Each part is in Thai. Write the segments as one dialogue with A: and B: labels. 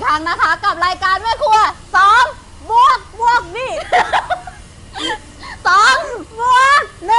A: รั้งนะคะกับรายการแม่ครัว2 บวกนี่2 บวก 1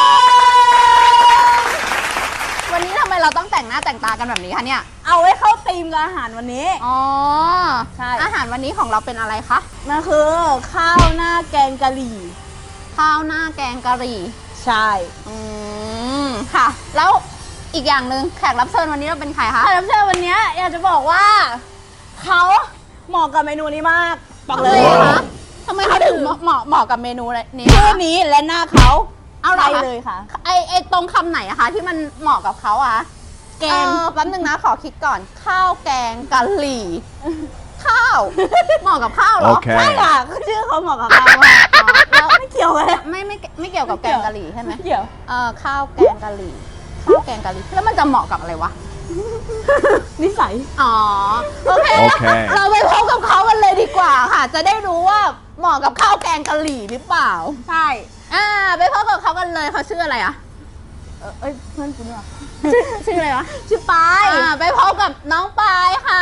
A: วันนี้ทำไมเราต้องแต่งหน้าแต่งตากันแบบนี้คะเนี่ย
B: เอาไว้เข้าธีมกับอาหารวันนี้
A: อ๋อ
B: ใช่
A: อาหารวันนี้ของเราเป็นอะไรคะ
B: นั่นคือข้าวหน้าแกงกะหรี่
A: ข้าวหน้าแกงกะหรี่
B: ใช่
A: ค่ะแล้วอีกอย่างหนึ่งแขกรับเชิญวันนี้เราเป็นใครคะ
B: แขกรับเชิญวันนี้อยากจะบอกว่าเขาเหมาะกับเมนูนี้มากบอกเลย
A: คะทำไมเขาถึงเหมาะกับเมนูนี้
B: ชื่อนี้และหน้าเขา
A: เอา
B: เลยค่ะ
A: ไอตรงคำไหนอะคะที่มันเหมาะกับเขาอะแกงแป๊บนึงนะขอคิดก่อนข้าวแกงกะหรี่ข้าวเหมาะกับข้าวเหรอ
B: ใช่ค่ะชื่อเขาเหมาะกับข้าวแล้วไม่เกี่ยวกัน
A: ไม่เกี่ยวกับแกงกะหรี่ใช่ไหม
B: เกี่ยว
A: ข้าวแกงกะหรี่ข้าวแกงกะหรี่แล้วมันจะเหมาะกับอะไรวะ
B: นิสัย
A: อ๋อโอเคเราไปพบกับเขากันเลยดีกว่าค่ะจะได้รู้ว่าเหมาะกับข้าวแกงกะหรี่หรือเปล่า
B: ใช่
A: ไปพบกับเขากันเลยเขาชื่ออะไรอะ
B: เพื่อนคุณเหรอ
A: ชื่ออะไรวะ
B: ชื่อปาย
A: ไปพบกับน้องปายค่ะ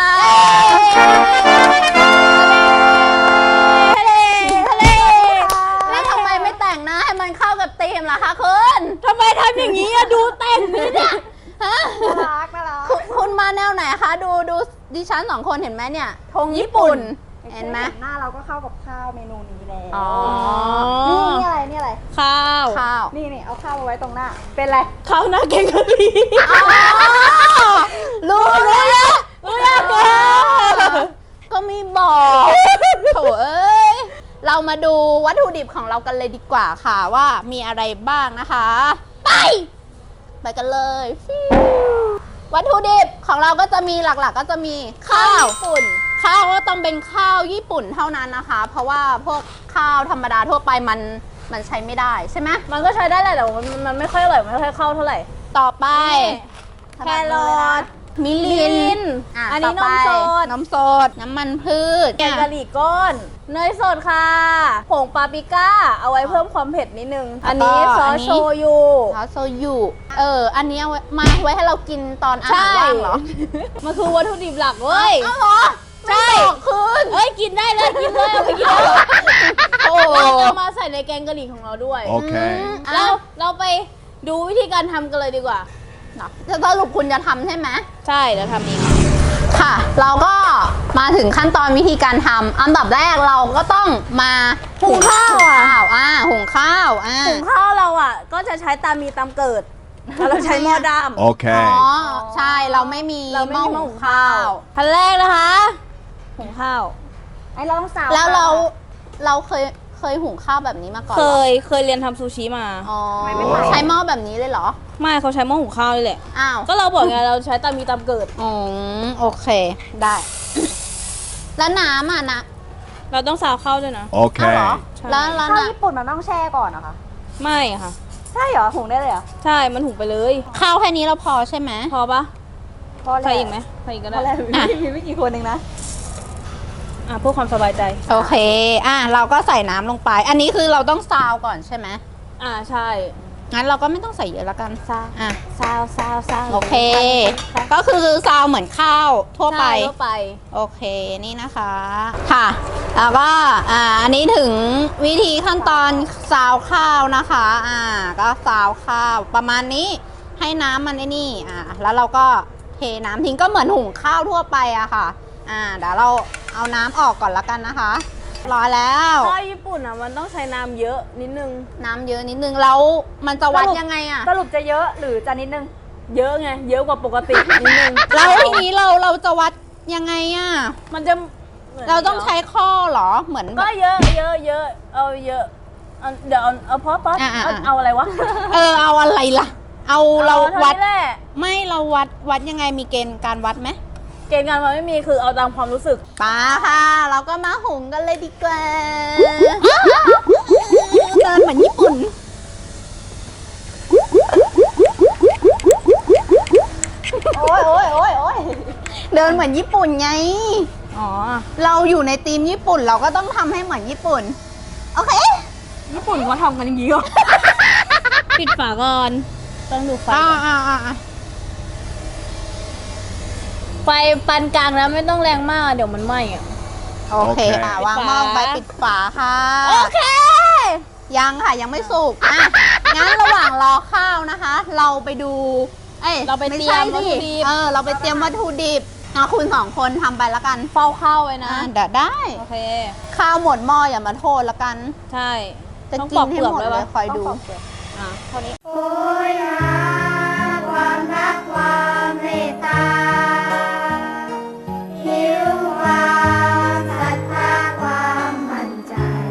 A: แล้วทำไมไม่แต่งหน้าให้มันเข้ากับธีมล่ะคะคุณ
B: ทำไมทำอย่างนี้อะดูแต่งนี่เนี่ย
A: น่ารักคุณมาแนวไหนคะดูดิฉัน2 คนเห็นไหมเนี่ยธงญี่ปุ่นเห็นไหม
C: หน้าเราก็เข้ากับข้าวเมนูนี้แล้วนี่อะไร
A: ข้าว
C: นี่เอาข้าวมาไว้ตรงหน้าเป็นอะไร
B: ข้าวหน้าแกงกะหรี่
A: รู้แล้วก็มีบอกโถเอ้ยเรามาดูวัตถุดิบของเรากันเลยดีกว่าค่ะว่ามีอะไรบ้างนะคะไปกันเลยวัตถุดิบของเราก็จะมีหลักๆก็จะมีข้าวญี่ปุ่นข้าวก็ต้องเป็นข้าวญี่ปุ่นเท่านั้นนะคะเพราะว่าพวกข้าวธรรมดาทั่วไปมันใช้ไม่ได้ใช่ไหม
B: มันก็ใช้ได้แหละแต่มันไม่ค่อยอร่อยไม่ค่อยเข้าเท่าไหร่
A: ต่อไป
B: แครอท
A: มิลิน
B: อันนี้นม
A: สดน้ำมันพืช
B: แกงกะหรี่ก้อนเนยสดค่ะผงปาปริก้าเอาไว้เพิ่มความเผ็ดนิดนึงอันนี้ซอสโชยุ
A: อันนี้เอาไว้ให้เรากินตอนอาหารว่างเหรอ
B: มันคือวัตถุดิบหลักเว้ย
A: เหรอ
B: ใช่
A: คืน
B: กินได้เลยเอาไปกินเลยเราจะมาใส่ในแกงกะหรี่ของเราด้วย
D: โอเค
B: แล้วเราไปดูวิธีการทำกันเลยดีกว่า
A: จะสรุปคุณจะทำใช่ไหม
B: ใช่จะทำเอง
A: ค่ะเราก็มาถึงขั้นตอนวิธีการทำอันดับแรกเราก็ต้องมา
B: หุงข้าว
A: หุงข้าว
B: เราก็จะใช้ตามมีตามเกิดเราใช้หม้อดำ
D: โอเค
A: ใช่เราไม่มีหม้อหุงข้าว
B: ขั้นแรกนะคะหุงข้าว
C: เราต้องสาว
A: แล้วเราเคยหุงข้าวแบบนี้มาก่อน
B: เคยเรียนทำซูชิมา
A: ใช้หม้อแบบนี้เลยเหรอ
B: ไม่เขาใช้หม้อหุงข้าวเลยแหละก็เราบอกไงเราใช้ตามมีตามเกิด
A: โอเคได้แล้วน้ำนะ
B: เราต้องซาวข้าวด้วยนะ
D: โอเค
A: แล้ว
C: ข้าวญี่ปุ่นมันต้องแช่ก่อนนะคะ
B: ไม่ค่ะ
C: ใช่เหรอหุงได้เลยเหรอ
B: ใช่มันหุงไปเลย
A: ข้าวแค่นี้เราพอใช่ไหม
B: พอปะใส่อีกไหมใส่อีกก็ได้
C: มีไม่กี่คนเองนะ
B: เพื่อความสบายใจ
A: โอเคเราก็ใส่น้ำลงไปอันนี้คือเราต้องซาวก่อนใช่ไหม
B: ใช่
A: งั้นเราก็ไม่ต้องใส่เยอะแล้วกัน
B: ซาว
A: โอเคก็คือซาวเหมือนข้าวทั่วไปโอเคนี่นะคะค่ะแล้วก็อันนี้ถึงวิธีขั้นตอนซาวข้าวนะคะก็ซาวข้าวประมาณนี้ให้น้ำมันนี่แล้วเราก็เทน้ำทิ้งก็เหมือนหุงข้าวทั่วไปอะค่ะเดี๋ยวเราเอาน้ำออกก่อนละกันนะคะรอแล้ว
B: ข้าวญี่ปุ่นมันต้องใช้น้ำเยอะนิดนึง
A: แล้วมันจะวัดยังไง
C: สรุปจะเยอะหรือจะนิดนึง
B: เยอะไงเยอะกว่าปกตินิดนึง
A: แล้วทีนี้เราจะวัดยังไง
B: มันจะ
A: เราต้องใช้ข้อเหรอเหมือน
B: ก็เยอะเอาเยอะเดี๋ยวเอาพอเอาอะไรวะ
A: เอาอะไรล่ะเราวัดไม่เราวัดยังไงมีเกณฑ์การวัดไหม
B: เกณฑ์การมันไม่มีคือเอาตามความรู้สึก
A: ค่ะเราก็มาหุงกันเลยดีกว่าเดินเหมือนญี่ปุ่น
C: โอ้ย
A: เดินเหมือนญี่ปุ่นไงเราอยู่ในทีมญี่ปุ่นเราก็ต้องทำให้เหมือนญี่ปุ่นโอเค
B: ญี่ปุ่นเขาทำกันอย่างนี้เหรอปิดฝาก่อนต้องดูไฟไฟปานกลางแล้วไม่ต้องแรงมากเดี๋ยวมันไหม้อะ
A: โอเคค่ะ วางหม้อไปปิดฝาค่ะ
B: โอเค
A: ยังค่ะยังไม่สุกอ่ะงั้นระหว่างรอข้าวนะคะ เราไปดู
B: เราไปเตรียมวัตถุดิบ
A: เราไปเตรียมวัตถุดิบคุณสองคนทำไปแล้วกัน
B: เฝ้าข้าวไว้นะ
A: เดี๋ยวได้
B: โอเค
A: ข้าวหมดหม้ออย่ามาโทษแล้วกัน
B: ใช่
A: จะ
B: ต้อง
A: กิ
B: ปอน ก
A: ให้
B: เปลือก
A: หมด
B: ด้วย
A: เล
B: วะ
A: ยคอยดู
B: อ่ะเท่านี้
C: โอ้ยหาความรักความเมตตาหิวความศรัทธาความมั่นใจ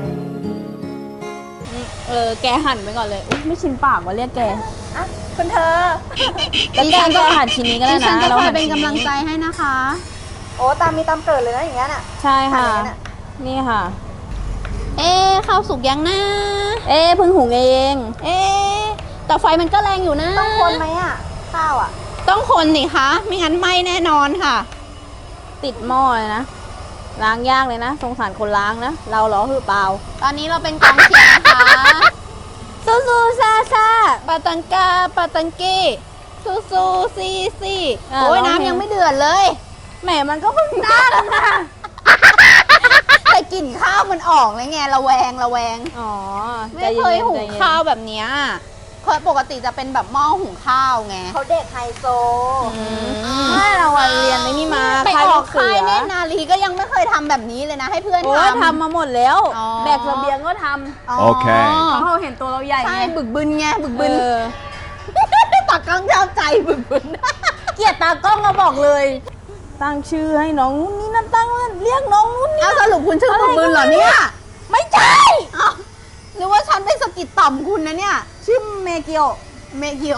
B: แกหั่นไปก่อนเลยอุ๊ยไม่ชินปากว่าเรียกแก
C: อ่ะคุณเธอ
B: แล้วแกก็หั่นชิ้นนี้ก็ได้
A: ดิฉั
B: นะ
A: นจะ
B: เรา
A: คอย
B: หั่น
A: เป็น
B: ชิ้
A: กำลังใจให้นะคะ
C: โอ้ตามมีตามเกิดเลยนะอย่างเงี้ยน่ะ
B: ใช่ค่ะ
C: หั่นอย่างนั้นน่ะ
B: นี่ค่ะ
A: ข้าวสุกยังนะ
B: เพิ่งหุงเอง
A: แต่ไฟมันก็แรงอยู่นะ
C: ต้องคนไหมอ่ะ ข้าวอ่ะ
A: ต้องคนสิคะไม่งั้นไหม้แน่นอนค่ะ
B: ติดหม้อเลยนะ ล้างยากเลยนะ สงสารคนล้างนะ เราเหรอคือเปล่า
A: ตอนนี้เราเป็นกองเชียร์นะคะ
B: ซูซูซาซา
A: ปาตังกาปาตังกี้ซูซูซีซี
B: อ่ะ
A: โอ้ย
B: ร้องเพลง
A: น้ำยังไม่เดือดเลย
B: แหมมันก็เพิ่งได้แล้วนะ
A: แต่กลิ่นข้าวมันออกเลยไงระแวง
B: อ๋อ
A: ไม่เคยหุงข้าวแบบเนี้ยเคยปกติจะเป็นแบบหม้อหุงข้าวไง
C: เขาเด็กไฮโซ
B: ไม่เราอะเรียนในนี่มา
A: ไปออก
B: เสื
A: ค่ายเนตรนารีก็ยังไม่เคยทำแบบนี้เลยนะ ให้เพื่อน
B: โอ้ย
A: ทำ
B: ทำมาหมดแล้ว
A: อ๋อ
B: แบกเสบียงก็ท
A: โอเค
B: ำเพราะเขาเห็นตัวเราใหญ่
A: ใช่
B: ไง
A: บึกบึนไงบึก
B: เอ
A: บึน
B: อ
A: ตักกล้องชอบใจบึกบึน
B: เกลียดตากล้องมาบอกเลย ตั้งชื่อให้น้องนู่นนี่นั่นตั้งเรียกน้องนู่นนี่
A: เอาสรุปคุณชื่อบึกบึนเหรอเนี่ย
B: ไม่ใช่
A: อ้าวหรือว่าฉันไปสะกิดต่อมคุณนะเนี่ย
B: ชื่อเมเกียว
A: เมกิโอ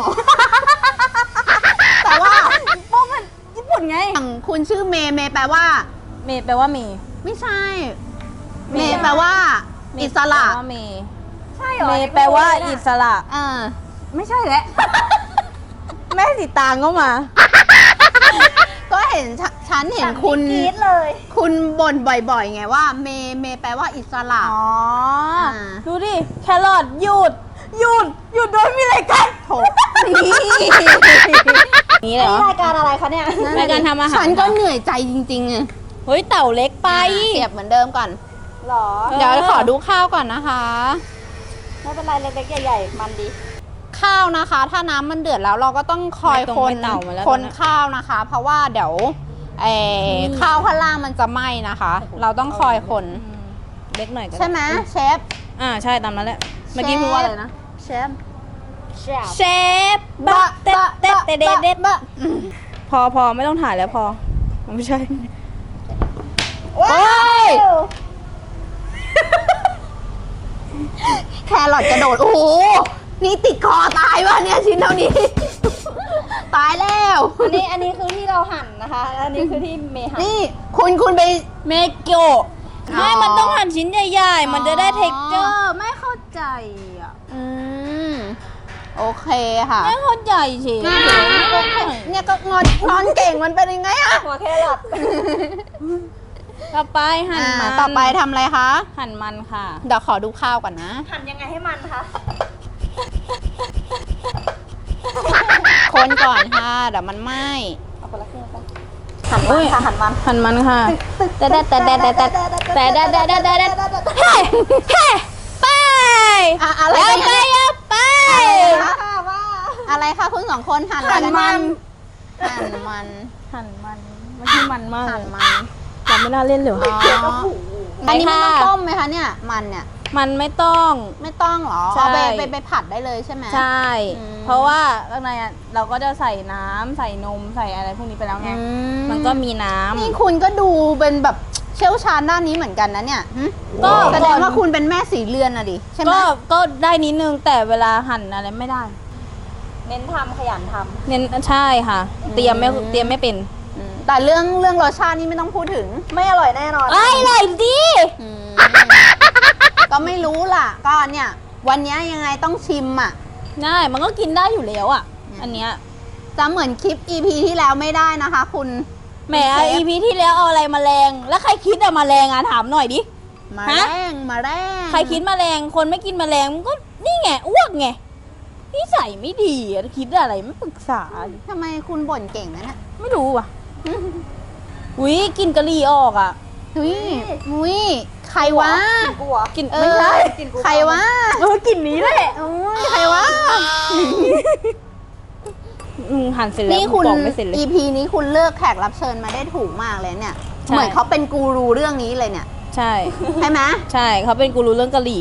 A: แต่ว่า
B: พวกมันญี่ปุ่นไง
A: อย่างคุณชื่อเมย์เมย์แปลว่า
B: เมแปลว่าเม
A: ไม่ใช่ เมย์แปลว่า อิสระ
B: แปลว่าเม
C: ใช่เหรอ
B: เมแปลว่าอิสระ ไม่ใช่แหละ แม่สีตางก็มา
A: ก็เห็นฉันเห็นคุณ
C: กรี๊ดเลย
A: คุณบ่นบ่อยๆ ไงว่า เมย์เมย์แปลว่าอิสระ
B: อ๋อ
A: อ่า
B: ดูดิ แครอทหยุดโดยมีอะไรกัน
A: โถนี่
B: นี่เลยเหรอ
C: นี่รายการอะไรคะเนี่ย
B: รายการทำอาหาร
A: ฉันก็เหนื่อยใจจริงๆอะ
B: เฮ้ยเต่าเล็กไป
A: เสียบเหมือนเดิมก่อน
C: หรอ
A: เดี๋ยวขอดูข้าวก่อนนะคะ
C: ไม่เป็นไรเล็กๆใหญ่ๆมันดี
A: ข้าวนะคะ ถ้าน้ำมันเดือดแล้วเราก็ต้องคอย
B: ไม่ต้อง
A: คน
B: ไปเต่ามาแล้ว
A: คน
B: ตอนนี้
A: ข้าวนะคะ เพราะว่าเดี๋ยวข้าวข้างล่างมันจะไหม้นะคะ เราต้องคอยคน
B: เล็กหน่อยก็ด้
A: ใช่ไหมเชฟ
B: ใช่ตามนั้นแหละ เมื่อกี้พูดว่าอะไรนะ
A: เชฟ
B: เชฟบะเต็ดเต็ดเต็ดเต็ดพอไม่ต้องถ่ายแล้วพอ ไม่ใช่
A: โอ้ยแครอทกระโดด โอ้โห นี่ติดคอตายวะเนี่ยชิ้นเท่านี้ ตายแล้ว
C: อันนี้คือที่เราหั่นนะคะ อันนี้คือที่เมย์หั่น
A: นี่คุณไป
B: เมเกียว
A: อ๋อ
B: ไม่มันต้องหั่นชิ้นใหญ่ๆ มันจะได้
A: อ๋อ
B: เท็กเจอร์ไม่เข้าใจอ่ะ
A: อืมโอเคค่ะ
B: ไม่เข้าใจเฉย
A: เนี่ยก็งอนเก่งมันเป็นยังไงอะ
C: หัวแครอท
B: ต่อไปหั่นมัน
A: ต่อไปทำอะไรคะ
B: หั่นมันค่ะ
A: เดี๋ยวขอดูข้าวก่อนนะ
C: หั่นยังไงให้มันคะ
A: คนก่อนค่ะเดี๋ยวมันไหม้
C: เอาคนละครึ่งไปหั่นมันค่ะหั่นมัน
B: หั่นมันค่ะแต่เฮ้ไป
A: อะไร
B: เอาไป
A: กัน
B: เอาไป
A: อะไรคะคุณสองคนหั่นอะไร
B: หั่น
A: กัน
B: มัน
A: หั่นมัน
B: หั่นมันไม่ใช่มันมาก
A: หั่นมัน
B: เราไม่น่าเล่นเลย
A: อ๋ออันนี้ไม่ต้องต้มไหมคะเนี่ยมันเนี่ย
B: มันไม่ต้อง
A: ไม่ต้องเหรอ
B: ใช่
A: เอาไปผัดได้เลยใช่ไหม
B: ใช่
A: อืม
B: เพราะว่าข้างในอะเราก็จะใส่น้ำใส่นมใส่อะไรพวกนี้ไปแล้วไง
A: อื
B: มันก็มีน้ำ
A: นี่คุณก็ดูเป็นแบบเชี่ยวชาญด้านนี้เหมือนกันนะเนี่ยหึ
B: ก็
A: แสดงว่าคุณเป็นแม่สีเรือนอะดิใช่ไหม
B: ก็ได้นิดนึงแต่เวลาหั่นอะไรไม่ได้
C: เน้นทำขยันท
B: เน้นใช่ค่ะ เตรียมไม่เป็น
A: แต่เรื่องรสชาตินี่ไม่ต้องพูดถึง
C: ำไม่อร่อยแน่นอน
B: ไอ้เลยดิ
A: ก็ไม่รู้ล่ะ ก็เนี่ยวันนี้ยังไงต้องชิมอ่ะ
B: ได้มันก็กินได้อยู่แล้วอ่ะ อันเนี้ย
A: จะเหมือนคลิป EP ที่แล้วไม่ได้นะคะ คุณ
B: แหม EP ที่แล้วเอาอะไรมาแรงแล้วใครคิดอะมาแรงอะถามหน่อยดิ
A: มา
B: ฮะ
A: แรงมาแรง
B: ใครคิดมาแรงคนไม่กินแมลงมันก็นี่ไงอ้วกไงนิสัยไม่ดีอะคิดอะไรไม่ปรึกษา
A: ทำไมคุณบ่นเก่งนะเนี่ย
B: ไม่รู้อ่ะอุ้ยกลินกะหรี่ออกอ่ะ
A: อุ้ยอุ้ยใครวะ
C: กินกูเหรอ
B: กลิน
A: เอ
B: ไม่
A: อ
B: ใช่
C: กินกู
A: ใครวะ
B: กลิ่นนี้แหละ
A: โอ้ยใครวะ
B: หั่นเสร็จแล้ว
A: นี่คุณ
B: ปอกไม่เสร็จเลย
A: EP นี้คุณเลือกแขกรับเชิญมาได้ถูกมากเลยเนี่ย
B: ใช่
A: เหมือนเขาเป็นกูรูเรื่องนี้เลยเนี่ย
B: ใช่
A: ใช่ไหม
B: ใช่เขาเป็นกูรู้เรื่องกะหรี่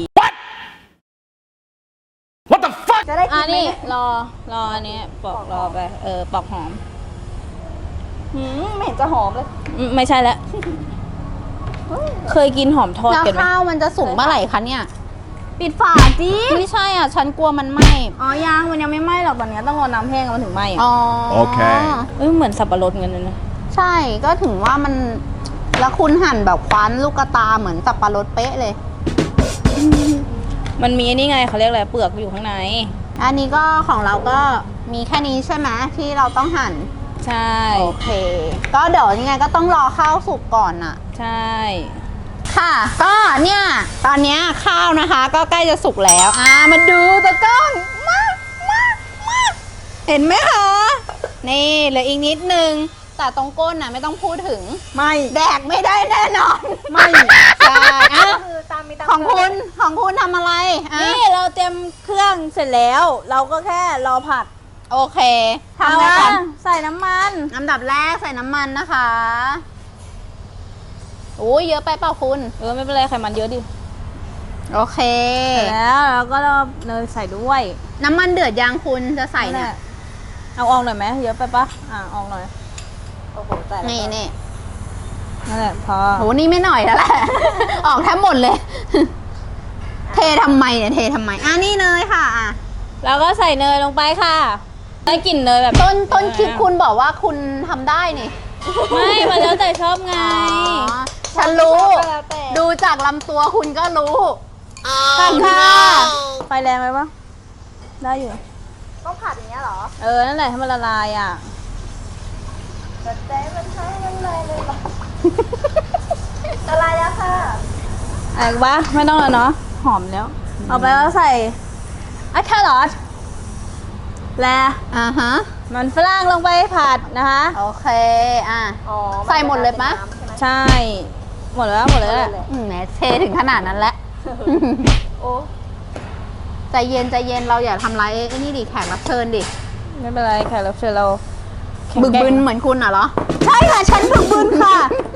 C: จะได้กิ
B: อ่ะ
C: นไหม
B: นี่
C: เนี่ย
B: รออันนี้ปอกรอไปปอกหอม
C: ไม่เห็นจะหอมเลย
B: ไม่ใช่แล้วเคยกินหอมทอด
A: แล้ว
B: กันไหม
A: ข้าวมันจะสุกเมื่อไหร่คะเนี่ย
B: ปิดฝาจี
A: ไม่ใช่อ่ะ ฉันกลัวมันไหม้
B: อ๋อยังมันยังไม่ไหม้หรอกตอนนี้ต้องรอน้ำแห้งมันถึงไหม้อ่ะ
A: อ๋อ
D: โอเค
B: เหมือนสับปะรดเงินเลยนะ
A: ใช่ก็ถึงว่ามัน แล้วคุณหั่นแบบคว้านลูกกระตาเหมือนสับปะรดเป๊ะเลย
B: มันมีไอ้นี่ไงเขาเรียกอะไรเปลือกอยู่ข้างใน
A: อันนี้ก็ของเราก็มีแค่นี้ใช่ไหมที่เราต้องหั่น
B: ใช่
A: โอเค ก็เดี๋ยวยังไงก็ต้องรอข้าวสุกก่อนน่ะ
B: ใช่
A: ค่ะ ก็เนี่ย ตอนเนี้ยข้าวนะคะ ก็ใกล้จะสุกแล้ว มาดูตะกล้อง มาเห็นไหมคะ นี่เหลืออีกนิดนึง แต่ตรงก้นน่ะไม่ต้องพูดถึง
B: ไม่
A: แดกไม่ได้แน่นอน
B: ไม่
A: ใช่อ่ะ
C: คือตามมีตาม
A: ของคุณทำอะไรอ่ะ
B: นี่เราเตรียมเครื่องเสร็จแล้ว เราก็แค่รอผัด
A: โอเคทำอะไร
B: เอา
A: กัน
B: ใส่น้ำมัน
A: อันดับแรกใส่น้ำมันนะคะโอ้ยเยอะไปเปล่าคุณ
B: ไม่เป็นไรไขมันเยอะดิ
A: โอเค
B: เสร็จแล้วเราก็เนยใส่ด้วย
A: น้ำมันเดือดยางคุณจะใส่เนี่ย
B: เอาออกหน่อยไหมเยอะไปปะออกหน่อย
C: โอ้โหแต่ละ
A: นี่นี่
B: นั่นแหละพอ
A: โหนี่ไม่หน่อยแล้วแหละ ออกแทบหมดเลย เททำไมเนี่ยเททำไมนี่เนยค่ะอ่ะ
B: แล้วก็ใส่เนยลงไปค่ะได้กลิ่นเนยแบบ
A: ต้นคลิปคุณบอกว่าคุณทำได้นี่
B: ไม่มันแล้วแต่ชอบไง
A: อ๋อฉันรู้
C: ก็แล้วแต่
A: ดูจากลำตัวคุณก็รู้
B: ผัดค่ะไฟแรงไหมปะได้อยู่
C: ต้องผัดอย่างเงี้ยเหรอ
B: นั่นแหละให้มันละลายอ่ะ
C: แต่แต่มันใช้มันเลยเลยเหรอ อะไรแล้วค่ะ
B: อะไรวะไม่ต้องแล้วเนาะหอมแล้วเอาไปแล้วใส่แครอทและ
A: ฮะ
B: มันฝรั่งลงไปผัดนะคะ
A: โอเคอ่ะ
C: อ๋อ
A: ใส่หมดเลยปะ
C: นน้ำใช่ไหม
B: ใช่ หมดแล้วหมดแล้วแหละ
A: แหมเทถึงขนาดนั้นแล้ว
C: โอ้
A: ใจเย็นใจเย็นเราอย่าทำร้ายไอ้นี่ดิแขกรับเชิญดิ
B: ไม่เป็นไรแขกรับเชิญเราแข็ง
A: บึก
B: แกร่ง
A: บึนเหมือนคุณเหรอ ใช่ค่ะ ฉันบึกบึนค่ะ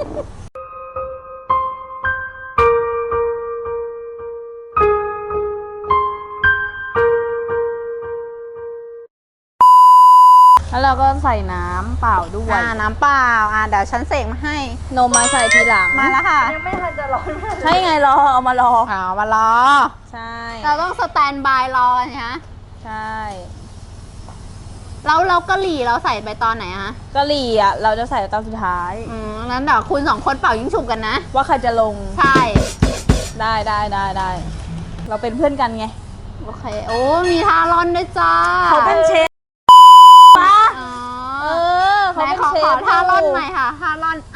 B: แล้วเราก็ใส่น้ำเปล่าด้วย
A: น้ำเปล่าเดี๋ยวฉันเสกมาให้
B: นมมาใส่ทีหลัง
A: มาแล้วค่ะ
C: ยังไม่ทันจะร้อนมาก
B: ใช่ไงรอเอามารอ
A: มารอ
B: ใช่
A: เราต้องสแตนบายรอกันนะ
B: ใช่
A: เรากะหรี่เราใส่ไปตอนไหนฮะ
B: กะหรี่อ่ะเราจะใส่ตอนสุดท้าย
A: งั้นเดี๋ยวคุณสองคนเป่ายิงฉุบกันนะ
B: ว่าใครจะลง
A: ใช่
B: ได้เราเป็นเพื่อนกันไง
A: โอเค โอ้ มีทารอนด้วยจ้า
B: เขาเป็นเชฟปะ
A: อ๋อ
B: เขา
A: ไหน
B: เป็น
A: ขอ
B: เชฟ
A: ทารอนใหม่ค่ะทารอน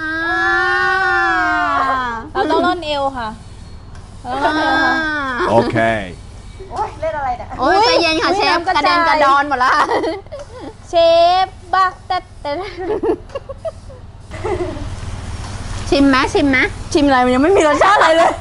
B: เราต้องร่อนเอวค่ะเราต้องร่อนเอวค่ะ
D: Okay.
C: โอ้ยเล่นอะไรเนี่ย
A: โอ้ยใจเย็นค่ะ
B: อุ๊ย
A: เชฟ
B: น้ำกระ
A: กระเด็น
B: จาย
A: กระดอนหมดละ
B: เชฟบักแต่
A: ชิมไหมชิมไหม
B: ชิมอะไรมันยังไม่มีรสชาติอะไรเลย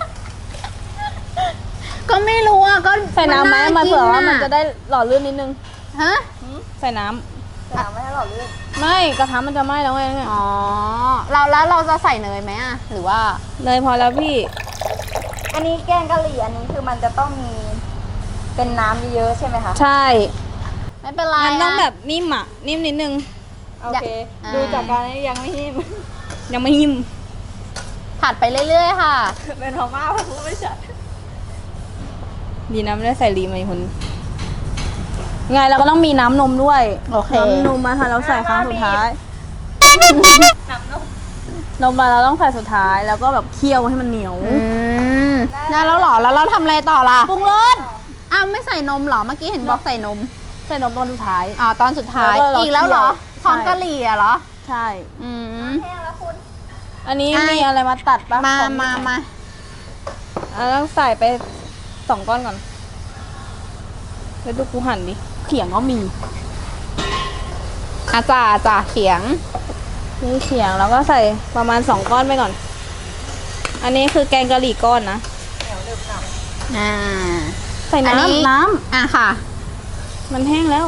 A: ก็ไม่รู้อ่ะก็
B: ใส่น้ำไหมมันเผื่อว่ามันจะ
A: ได้
B: ได้หล่อลื่นนิดนึง
A: ฮะ
B: ใส่น้
C: ถามไม่ให้หล่อลื่น
B: ำไม่กระทะมันจะไหม้แล้วไง
A: อ๋อแล้วเราจะใส่เนยไหมอ่ะหรือว่า
B: เนยพอแล้วพี่
C: อันนี้แกงกะหรี่อันนี้คือมันจะต้องมีเป็นน้ำเยอะๆใช่ไหมคะ
B: ใช่
A: ไม่เป็นไร
B: มันต้อง
A: ะ
B: แบบนิ่มอ่ะนิ่มนิดนึง
C: โอเค
A: อ่า
C: ดูจากการนี้ยังไม่หิม
B: ยังไม่นิ่ม
A: ผัดไปเรื่อยๆค่ะ
C: เป็นพม่าเพราะไม่ใช่
B: ดีนะไม่ได้ใส่รีมาอีกคนไงเราก็ต้องมีน้ำนมด้วย
A: โอเค
B: น้ำนมมาค่ะเราใส่ครั้งสุดท้าย
C: น้ำนม
B: นมมาเราต้องใส่สุดท้ายแล้วก็แบบเคี่ยวให้มันเหนียว
A: ได้แล้วเหรอแล้วเราทำอะไรต่อล่ะ
B: ปรุงรส
A: อ้าวไม่ใส่นมเหรอเมื่อกี้เห็นบอกใส่นม
B: ใส่นมตอนสุดท้าย
A: ตอนสุดท้าย
B: แล้วก็เรา
A: อีกแล้วเหรอ
B: เคี่ยว
A: พร้อมกะหรี่อะเหรอ
B: ใช่
A: อืม
C: แห้งแล้วคุณ
B: อันนี้
A: อ่ะ
B: มีอะไรมาตัดปะ
A: มา
B: ของ
A: มา
B: ต้องใส่ไป2 ก้อนก่อนแล้วดูกูหั่นดิเขียงก็มี
A: จ่าเขียง
B: นี่เขียงแล้วก็ใส่ประมาณ2ก้อนไปก่อน อันนี้คือแกงกะหรี่ก้อนนะ
A: อ่า
B: ใส่
A: อันนี้
B: น้ำ
A: อ่ะค่ะ
B: มันแห้งแล้ว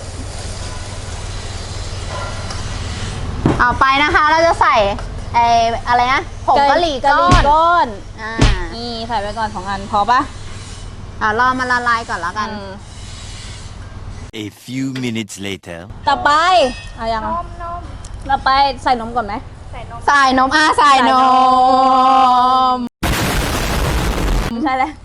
A: เอาไปนะคะ เราจะใส่ไอ้อะไรนะผงกะหรี่ก้อน
B: ก้อน
A: อ่า
B: นี่ใส่ไปก่อน2อันพอปะ
A: รอมันละลายก่อนแล้วกัน
D: A few minutes later.
B: ต่อไปเอายัง
C: น
B: อะ
C: ม
B: ต่อไปใส่นมก่อนไหม
C: ใส่นม
A: ใส่นมใส่นม
B: ไม่ใช่แล้ว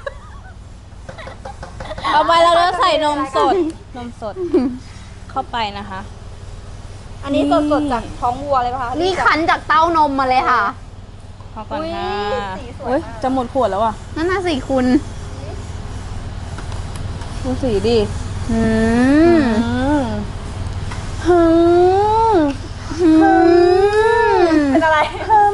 B: ต่อไปเราจะใส่นมสด นมสด เข้าไปนะคะ
C: อันนี้สดๆจากท้องวัวเลยป่ะคะ
A: นี่คั้นจากเต้านมมาเลยค่ะ
B: พอก่อน
C: อุ๊ย
B: ค่ะ
C: สีสวย
B: เฮ้ย
C: มาก
B: จะหมดขวดแล้วอ่ะ
A: นั่นน่ะสิคุณ
B: ดูสีดิ
A: อืม
B: ฮึม
C: เป็นอะไร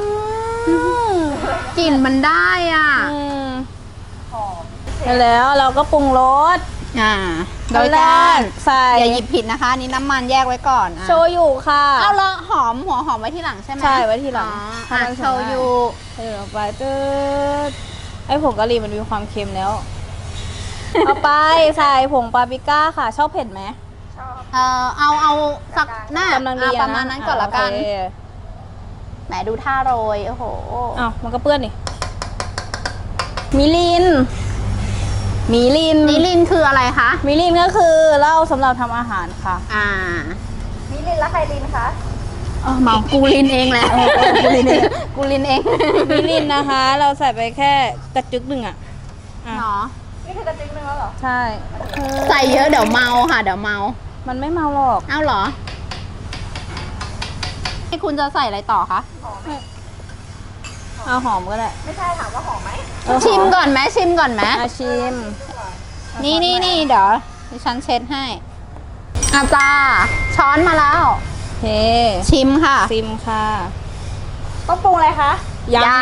A: กลิ่นมันได้อ่ะ
C: หอม
B: แล้วเราก็ปรุงรส
A: โดยการ
B: ใส่
A: อย่าหยิบผิดนะคะอันนี่น้ำมันแยกไว้ก่อนอ่ะ
B: โชยุค่ะ
A: เอาละหัวหอมไว้ที่หลังใช่ไหม
B: ใช่ไว้ทีหลัง
A: อ๋อ
B: ให้มัน
A: โช
B: สวย
A: ยุ
B: ใส่ลงไปตืดไอ้ผงกะหรี่มันมีความเค็มแล้ว เอาไปใส่ผงปาปริก้าค่ะ ชอบเผ็ดไหม
C: ชอบ
A: เอาสักหน้าก
B: ำลังดี
A: ประมาณนั้นก่อนละกัน
B: โเค
A: แหมดูท่าโรยโอ้โห
B: อ้าวมันก็เปื้อนนี่มิลิน มิลิน
A: นิลินคืออะไรคะ
B: มิลินก็คือเหล้าสำหรับทำอาหารค่ะ
C: มิลินและไคลินคะ
A: เมากูลินเองแหละกูลินเองกูลินเอง
B: มิลินนะคะ เราใส่ไปแค่กระจึกหนึ่งอ่ะ
A: เนาะ
C: นี่คือกระติ๊กนึงแล้วเหรอ
B: ใช่
A: ใส่เยอะเดี๋ยวเมาค่ะเดี๋ยวเมา
B: มันไม่เมาหรอก
A: เอ้าเหรอให้คุณจะใส่อะไรต่อคะ
C: หอมไหม
B: เอาหอมก็ได้
C: ไม่ใช่ถามว่าหอมไหม
A: ชิมก่อนไหมชิมก่อนไหม
B: อาชิม
A: นี่เดี๋ยวดิฉันเช็ดให้อาจารย์ช้อนมาแล้ว
B: โอเค
A: ชิมค่ะ
B: ซิมค่ะ
C: ต้องปรุงอะไรคะ
A: ยัง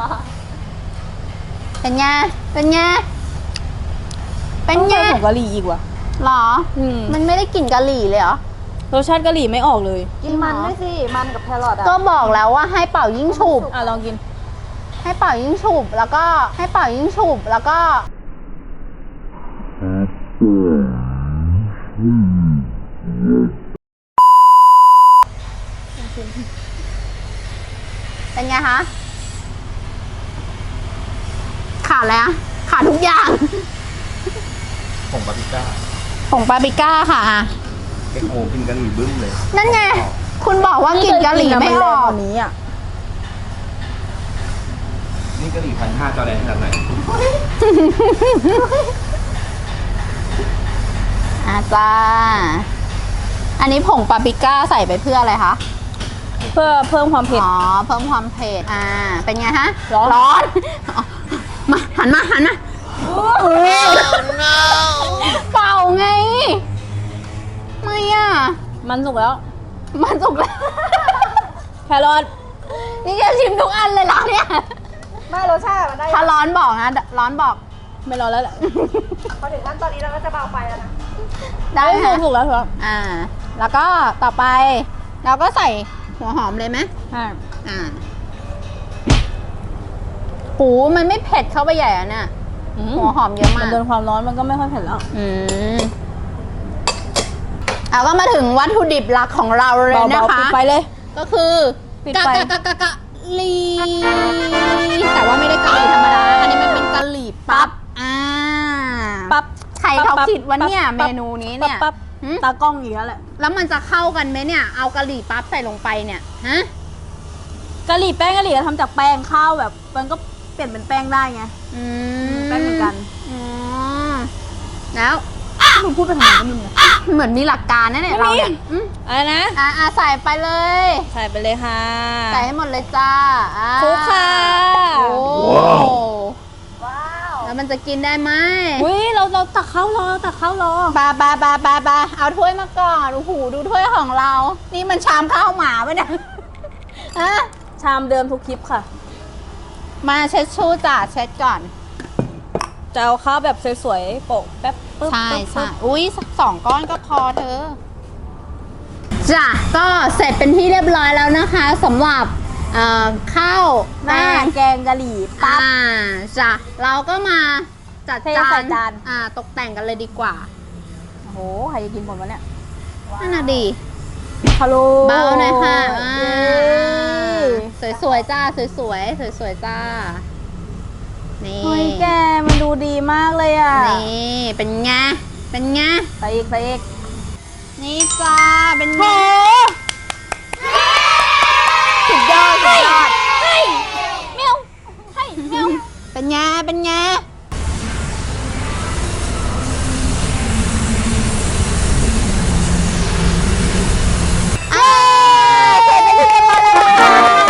A: เป็นไงเป็นไงเป็น
B: ต้อง
A: ไง
B: ใส่ผงกะหรี่อีกว่ะ
A: หรอ
B: อืม
A: มันไม่ได้กลิ่นกะหรี่เลยเหรอ
B: รสชาติกะหรี่ไม่ออกเลย
C: กินมันด้วยสิ มันกับแครอทอ่ะ
A: ก็บอกแล้วว่าให้เป่ายิ่งฉุบ
B: อ่ะลองกิน
A: ให้เป่ายิ่งฉุบแล้วก็ให้เป่ายิ่งฉุบแล้วก็เป็นไงคะขาดอะไรอะขาดทุกอย่าง
D: ผงปาปริก้า
A: ผงปาปริก้าค่ะอ่ะ
D: เอ็กโอกินกะหรี่บึ้มเลย
A: นั่นไง คุณบอกว่ากลิ่นกะหรี่ไม่ออก
B: นี้อ่ะ
D: นี่กะหรี่1,500จอแดนขนาดไหน
A: อาจ้าอันนี้ผงปาปริก้าใส่ไปเพื่ออะไรคะ
B: เพื่อเพิ่มความเผ็ด
A: อ๋อ เพิ่มความเผ็ด เป็นไงฮะ
B: ร้อน
A: ร้อนอ๋อมาหันมาเป่าไง ไม่อ่ะ
B: มันสุกแล้ว
A: มันสุกแล้ว
B: แครอท
A: นี่จะชิมทุกอันเลยเหรอเนี่ย
C: ไม่รสชาติมันได้
A: ถ้าร้อนบอกนะ ร้อนบอก
B: ไม่รอแล้วแหละ
C: พอถึงขั้นตอนนี้เราก็จะเบาไฟแล้วนะ
A: ได้
B: ไม่
A: ค่ะ
B: สุกแล้วครับ
A: แล้วก็ต่อไป เราก็ใส่หัวหอมเลยไหม หูมันไม่เผ็ดเข้าไปใหญ่อะเนี่ย หัวหอมเยอะ
B: มั
A: มาน ก
B: โดนความร้อนมันก็ไม่ค่อยเผ็ดแล้ว
A: เอาก็มาถึงวัตถุดิบหลักของเราเลยนะ
B: เบาๆ
A: คะ
B: ปิดไฟเลย
A: ก็คือ
B: ปิด
A: กะ
B: ไฟ
A: กะลีแต่ว่าไม่ได้กะหรี่ธรรมดา อันนี้มันเป็นกะหรี่ปั๊บ
B: ปั๊บ
A: ใครเขาคิดว่าเนี่ย
B: ปั๊บ
A: เมนูนี้เนี่ย
B: ปั๊บ
A: หืม
B: ตากล้องอีกแล้วแหละ
A: แล้วมันจะเข้ากันไหมเนี่ย เอากะหรี่ปั๊บใส่ลงไปเนี่ย ฮะ
B: กะหรี่แป้งกะหรี่ทำจากแป้งข้าวแบบ มันก็เปลี่ยนเป็นแป้งได้ไง แป้งเหมือนกัน
A: อ๋อแล้ว
B: มึงพูดไปทำไมก็ไมึง
A: เหมือนมีหลักการนะเนี่ยเราเนี่ยอืม
B: อะไรนะ
A: ใส่ไปเลย
B: ใส่ไปเลยค่ะ
A: ใส่ให้หมดเลยจ้า
B: คลุกค่ะ
A: โอ้
C: ว้าว
A: แล้วมันจะกินได้ไหม
B: อุ้ยเราตักข้าวรอตักข้าวรอ
A: บาเอาถ้วยมาก่อนโอ้โหดูถ้วยของเรา นี่มันชามข้าวหมาปะเนี่ยฮะ
B: ชามเดิมทุกคลิปค่ะ
A: มาเช็ดชู่จ้ะเช็ดก่อน
B: จะเอาข้าวแบบสวยๆโปะแป๊บปึ๊บ
A: ใช่
B: ปึ๊บ
A: ใช่
B: ปึ๊บ
A: อุ้ยสัก2 ก้อนก็พอเธอจ้ะก็เสร็จเป็นที่เรียบร้อยแล้วนะคะสำหรับข้าว
B: หน้าแกงกะหรี่ปั๊บ
A: จ้ะเราก็มาจัด
B: เทใส่จาน
A: ตกแต่งกันเลยดีกว่า
B: โอ้โหใครจะกินหมดวะเนี่ย
A: นั่นน่ะดี
B: ฮัลโหล
A: เบาหน่อยค่ะ
B: เย้
A: สวยๆจ้าสวยๆสวยๆจ้านี่
B: เฮ้ยแกมันดูดีมากเลยอ่ะ
A: นี่เป็นไงเป็นไง
B: ใส่อีกใส่อีก
A: นี่จ้าเป็นไง
B: โห
A: สุดยอดสุดยอด
B: เมียวให้เมียว
A: เป็นไงเป็นไงอ่าเสร็จเป็นที่เรียบร้อยแล้วนะคะ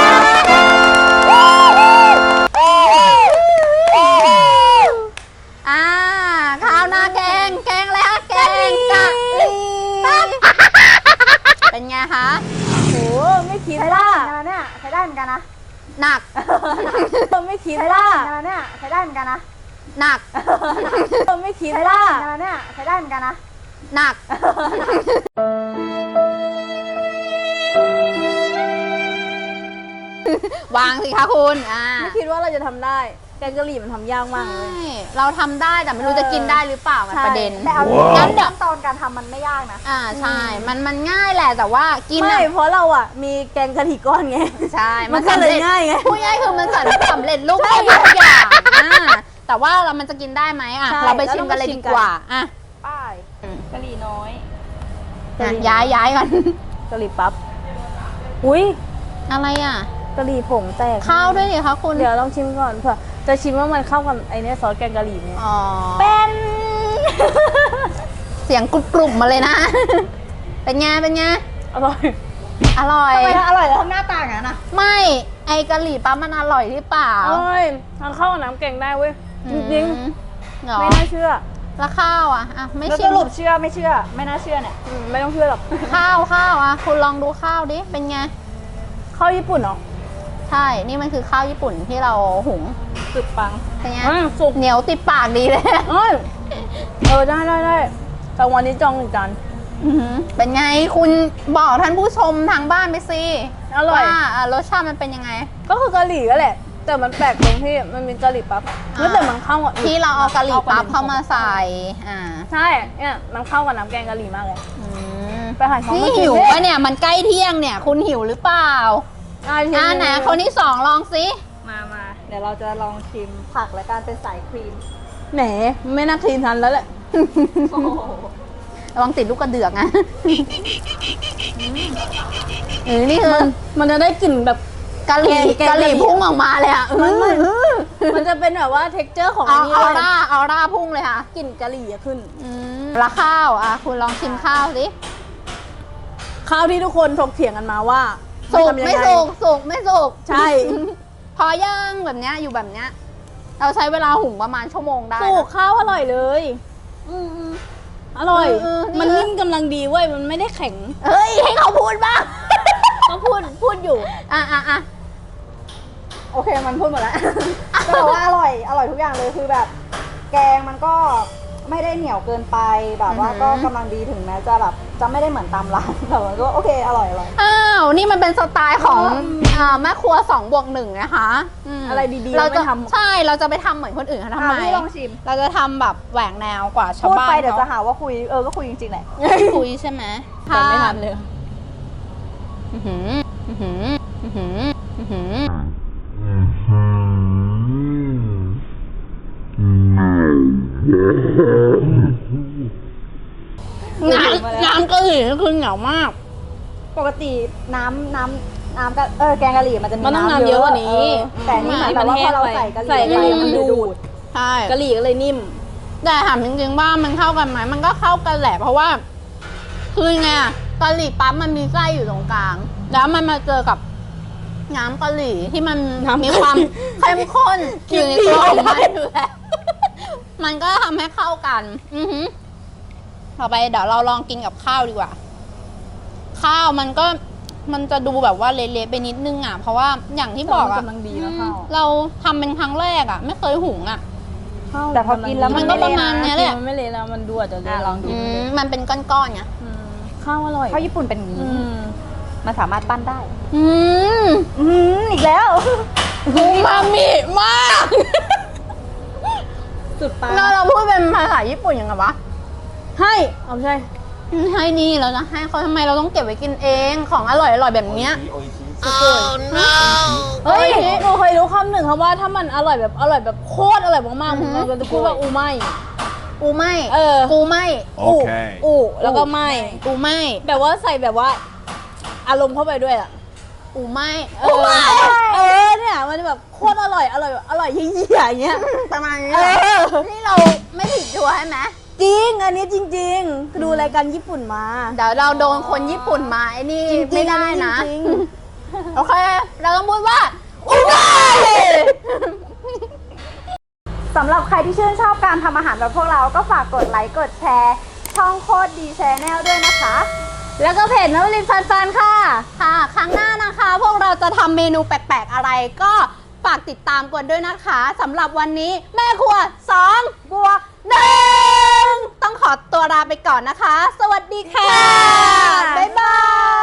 A: ข้าวหน้าแกงแล้วแกงกะหรี่ปั๊บเป็นไงคะ
B: โหไม่คิด
C: ใช้ได้
B: ว่า
C: เหมือนกันนะเนี่ยใช้ได้เหมือนกันนะ
A: หนัก
B: ไม่คิด
C: ใช้ได้
B: ว่า
C: เหมือนกันนะเนี่ยใช้ได้เหมือนกันนะ
A: หนัก
B: ไม่คิด
C: ใช้ได้
B: ว่า
C: เหมือนกันนะเนี่ยใช้ได้เหมือนกันนะ
A: หนัก วางสิคะคุณ
B: ไม่คิดว่าเราจะทำได้ แกงกะหรี่มันทำยากมากเลย
A: ใช่เราทำได้แต่ไม่รู้จะกินได้หรือเปล่ามัน
B: ใช่
A: ประเด็น
C: แต่เอาจริงๆขั้นตอนการทำมันไม่ยากนะ
A: ใช่ มันง่ายแหละแต่ว่ากิน
B: ไม่
A: อะ
B: เพราะเราอ่ะ มีแกงกะหรี่ก้อนไง
A: ใช่
B: มันก็เลยง่ายไง
A: พูดง่ายคือมันสำเร็จรูปแค่ทุกอย่างแต่ว่ามันจะกินได้ไหมอ่ะ
B: ใช่
A: เราไปชิมกันเลยดีกว่าอ่ะ
C: ป้ายกะหรี่น้อย
A: ย้ายกัน
B: กะหรี่ปั๊บ อุ้ย
A: อะไรอ่ะ
B: กะหรี่ผงแตก
A: ข้าวด้วยดิคะคุณ
B: เดี๋ยวลองชิมก่อนเผื่อจะชิมว่ามันเข้ากับไอ้เนี่ยซอสแกงกะหรี่เนี่ย
A: อ๋อ
B: เป็น
A: เสียงกรุบๆมาเลยนะ เป็นไงเป็นไง
B: อร่อย
A: อร่อย
C: ทำไมอร่อยแล้วทำหน้าต่างอย่างนั้นอ่ะ
A: ไม่ไอกะหรี่ปั๊บมันอร่อยหรือเปล่า
B: อร่อยมันเข้ากับน้ำแกงได้เว้ย จริง
A: เหรอ
B: ๆ ไม่น่าเชื่อ
A: แล้วข้าวอ่ะไม่
C: แล้ว
A: ชิ
C: ส
A: ม
C: รุปเชื่อไม่เชื่อ ไม่น่าเชื่อเนี่ย
B: ไม่ต้องเชื่อหรอก
A: ข้าวอ่ะคุณลองดูข้าวดิเป็นไง
B: ข้าวญี่ปุ่นเหรอ
A: ใช่นี่มันคือข้าวญี่ปุ่นที่เราหุง
B: สุดปัง
A: เป็นไง
B: สุก
A: เหนียวติดปากดีเลย
B: เอ้ยได้แต่วันนี้จองหนึ่งจาน
A: อื้อหือเป็นไงคุณบอกท่านผู้ชมทางบ้านไปสิ
B: อร่อย
A: ว่ารสชาติมันเป็นยังไง
B: ก็คือกะหรี่ก็แหละ แต่มันแปลกตรงที่มันมีกะหรี่ปั๊บแล้วแต่มันเข้ากับ
A: ที่เราเอากะหรี่ปั๊บเข้ามาใส่
B: ใช่ เนี่ยมันเข้ากับน้ำแกงกะหรี่มากเลย
A: อืม
B: ไปหาของ
A: นี่
B: มากิน
A: หิว
B: ดิ
A: ปะเนี่ยมันใกล้เที่ยงเนี่ย คุณหิวหรือเปล่าไหนคนที่สองลองสิ
C: มาเดี๋ยวเราจะลองชิมผักและการเป็นสายครีม
B: แหมไม่น่าคลีนทันแล้วแหละ
A: ระวังติดลูกกระเดือกนะนี่คือ
B: มันจะได้กลิ่นแบบ
A: กะหรี่
B: แกง
A: กะหรี่
B: กะหรี่
A: พุ่งออกมาเลยอ่ะ
B: มันจะเป็นแบบว่าเท็กเจอร์ของ
A: เอา
B: อันนี้
A: เอา
B: เลย
A: เอาร่าพุ่งเลยค่ะ
B: กลิ่นกะหรี่อะขึ้น
A: แล้วข้าวคุณลองชิมข้าวสิ
B: ข้าวที่ทุกคนถกเถียงกันมาว่า
A: สุก
B: ทำยัง
A: ไม่
B: ง
A: สุกไม่สุก
B: ใช่
A: พอย่างแบบเนี้ยอยู่แบบเนี้ยเราใช้เวลาหุงประมาณชั่วโมงได้นะ
B: สุกข้าวอร่อยเลยอร่อย
A: นี่
B: มันนิ่มกำลังดีเว้ยมันไม่ได้แข็ง
A: เฮ้ยให้เขาพูดบ้าง
B: ก็พูดอยู่
A: อ่ะ
C: โอเคมันพูดหมดแล้ว ก็บอกว่าอร่อยทุกอย่างเลยคือแบบ แกงมันก็ไม่ได้เหนียวเกินไปแบบว่าก็กำลังดีถึงแม้จะแบบจะไม่ได้เหมือนตามร้านแต่มันก็โอเคอร่อย
A: อ้าวนี่มันเป็นสไตล์ของแม่ครัว2+1นะคะม
B: อะไรดีๆ
A: เราจะ
B: ไม่ทำ
A: ใช่เราจะไปทำเหมือนคนอื่นเขาทำไม
C: พี่ลองชิม
A: เราจะทำแบบแหวกแนวกว่าชาว
C: พูด
A: บ้าน
C: ไปเดี๋ยวจะ
A: เขา
C: หาว่าคุยก็คุยจริงๆแหละ
A: คุยใช่ไหม
B: แต่ไม่ทันเลย
A: อื้อหืออื้อหืออื้อหืออื้อหือน้ำกะหรี่นี่คือเหนียวมาก
C: ปกติน้ำก็แกงกะหรี่มันจะมี
B: มันต้องน้ำเยอะกว่านี้
C: แต่อันนี่เหมือนแบบว่าพอเราใส่กะหรี่
B: ใส่กะหรี่มันดูด
A: ใช่
B: กะหรี่ก็เลยนิ่ม
A: แต่ถามจริงๆว่ามันเข้ากันไหมมันก็เข้ากันแหละ เพราะว่าคือไงอะกะหรี่ปั๊บมันมีไส้อยู่ตรงกลาง แล้วมันมาเจอกับน้ำกะหรี่ที่มัน
B: น้ำกะหรี่
A: มีความเข้มข้นอยู่ในตัวของมัน
B: กินดี
A: อยู่แล้วมันก็ทำให้เข้ากัน อือหือต่อไปเดี๋ยวเราลองกินกับข้าวดีกว่า ข้าวมันจะดูแบบว่าเละๆไปนิดนึงอ่ะ เพราะว่าอย่างที่บอกอ่ะ
B: กำลังดีแล้วข้าว
A: เราทำเป็นครั้งแรกอ่ะ ไม่เคยหุงอ่ะ
C: แต่พอกินแล้ว
A: มันก็ประมาณเนี้ยแหละ
B: มันไม่เละแล้วมันดูอาจจะเละ
C: ลองกิน
A: มันเป็นก้อนๆไง
B: ข้าวอร่อย
C: ข้าวญี่ปุ่นเป็นอย่างนี้
B: อืม
C: มันสามารถปั้นได้
A: อืม
C: อีกแล้ว
A: อูมามิมาก
B: สุดปลา
A: เราพูดเป็นภาษาญี่ปุ่นยังไงวะ
B: ให้เอาใช่
A: ให้นี่เราจะให้เขาทำไมเราต้องเก็บไว้กินเองของอร่อยแบบเนี้ย
D: โออิชิ
B: เฮ้ยหนูเคยรู้คำหนึ่งคำว่าถ้ามันอร่อยแบบโคตรอร่อยมากๆมันจะพูดว่าอูไม่
A: อูไม่
B: เออ
A: กูไม่
B: อูแล้วก็ไม่
A: กูไม่
B: แบบว่าใส่แบบว่า อารมณ์เข้าไปด้วยอ่ะ
A: อูไม่
B: เนี่ยมันจะแบบโคตรอร่อยเยี่ยๆอย่างเงี้ย
A: ประมาณนี้
B: เออ
A: นี่เราไม่ผิดชัวร์ใช่ไหม
B: จริง อันนี้จริงๆ ดูรายการญี่ปุ่นมา
A: เดี๋ยวเราโดนคนญี่ปุ่นมาไอ้นี่
B: จริงๆ
A: ไม่ได้นะ
B: จริง
A: โอเค เราต้องพูดว่าอูไม่
C: สำหรับใครที่ชื่นชอบการทำอาหารแบบพวกเราก็ฝากกดไลค์กดแชร์ ช่องโคตรดีแชนแนลด้วยนะคะ
B: แล้วก็เพจนวลินฟันค่ะ
A: ค่ะ ครั้งหน้านะคะ พวกเราจะทำเมนูแปลกๆอะไรก็ฝากติดตามกันด้วยนะคะสำหรับวันนี้แม่ครัว2 บวก 1ต้องขอตัวลาไปก่อนนะคะ สวัสดีค่ะ บ๊ายบาย